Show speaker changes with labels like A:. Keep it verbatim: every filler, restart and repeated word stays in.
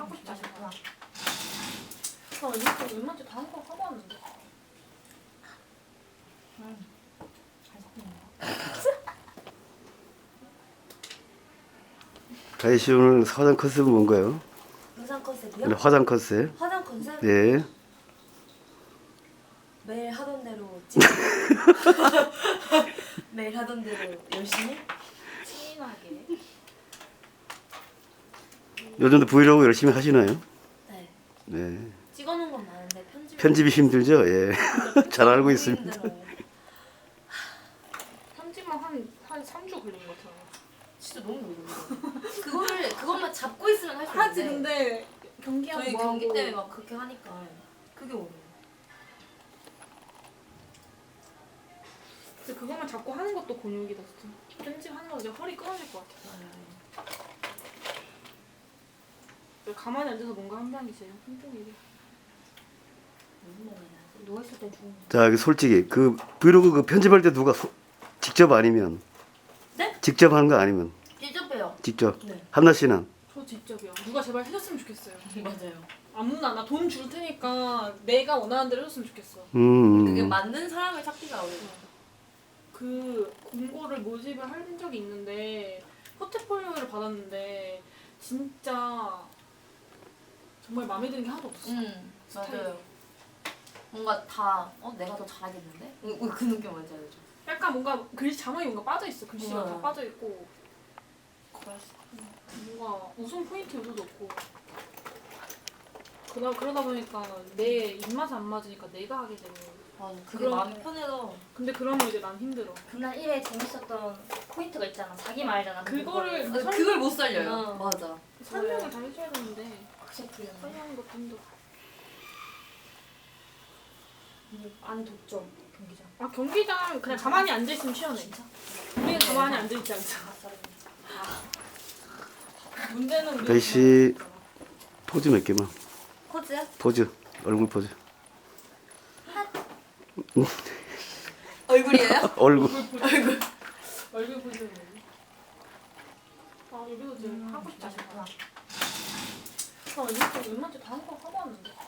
A: 하고 싶지 않구나. 나 웬만큼 웬만큼 다 하는 거 하고 왔는데. 음, 잘 섞이네요.
B: 다희 씨 오늘 화장 컨셉은 뭔가요?
C: 의상 컨셉이요?
B: 오늘 화장 컨셉.
C: 화장 컨셉?
B: 네.
C: 매일 하던 대로 찍 매일 하던 대로 열심히?
A: 진하게.
B: 요즘도 브이로그 열심히 하시나요?
C: 네.
B: 네.
C: 찍어놓은 건 많은데 편집
B: 편집이 힘들죠? 예. 잘 알고 있습니다.
C: 힘들어요.
A: 편집만 한한 삼 주 걸린 것 같아요.
C: 진짜 너무 어려워요. 그거를 그것만 잡고 있으면 할 수 있는데
A: 하지 근데 경기하고
C: 저희
A: 뭐
C: 경기
A: 하고
C: 때문에 막 그렇게 하니까 그게 어려워요.
A: 근데 그것만 잡고 하는 것도 곤욕이다 진짜. 편집하는 거 이제 허리 끊어질 것 같아. 가만히 앉아서 뭔가 한다는 게 제일 힘든 일이야.
C: 누워있을 때 좋은
B: 자, 여기 솔직히 그 브이로그 그 편집할 때 누가 소, 직접 아니면?
C: 네?
B: 직접 하는 거 아니면?
C: 직접 해요.
B: 직접.
C: 네.
B: 한나 씨는?
A: 저 직접이요. 누가 제발 해줬으면 좋겠어요.
C: 맞아요.
A: 아무나 나 돈 줄 테니까 내가 원하는 대로 해줬으면 좋겠어.
B: 음.
C: 그게 맞는 사람을 찾기가 어려워요.
A: 그 공고를 모집을 할 적이 있는데 포트폴리오를 받았는데 진짜 정말 마음에 드는 게 하나도 없었어.
C: 음
A: 스타일이.
C: 맞아요. 뭔가 다 어 내가 더 잘하겠는데? 어, 어, 그 느낌 뭔지 알죠?
A: 약간 뭔가 글씨 자막이 뭔가 빠져 있어. 글씨가
C: 네.
A: 다 빠져 있고
C: 그럴 수
A: 뭔가 웃음 포인트 요소도 없고 그러다 그러다 보니까 내 입맛에 안 맞으니까 내가 하게 되는.
C: 맞아. 그게
A: 그런-
C: 마음이 편해서
A: 근데 그러면 이제 난 힘들어.
D: 그날 일에 재밌었던 포인트가 있잖아. 자기 말잖아.
A: 그거를
C: 아,
A: 설-
C: 그걸 못 살려요.
D: 어.
C: 맞아.
A: 설명을 다 해줘야 되는데
D: 확실히 풀렸네.
A: 설명하는 것도 힘들어.
D: 안에 독점 경기장.
A: 아 경기장 그냥 가만히 앉아 있으면 시원해. 우리는 가만히 앉아 있지 않잖아. 문제는 우리.
B: 다희 씨 포즈 몇 개만.
C: 코즈야?
B: 포즈. 얼굴 포즈.
C: 얼굴이에요?
B: 얼굴.
A: 얼굴 얼굴 보시는 거지. 아 얼굴 보지 하고 싶지 않구나. 나 웬만큼 웬만큼 다 하는 거 하고 왔는데.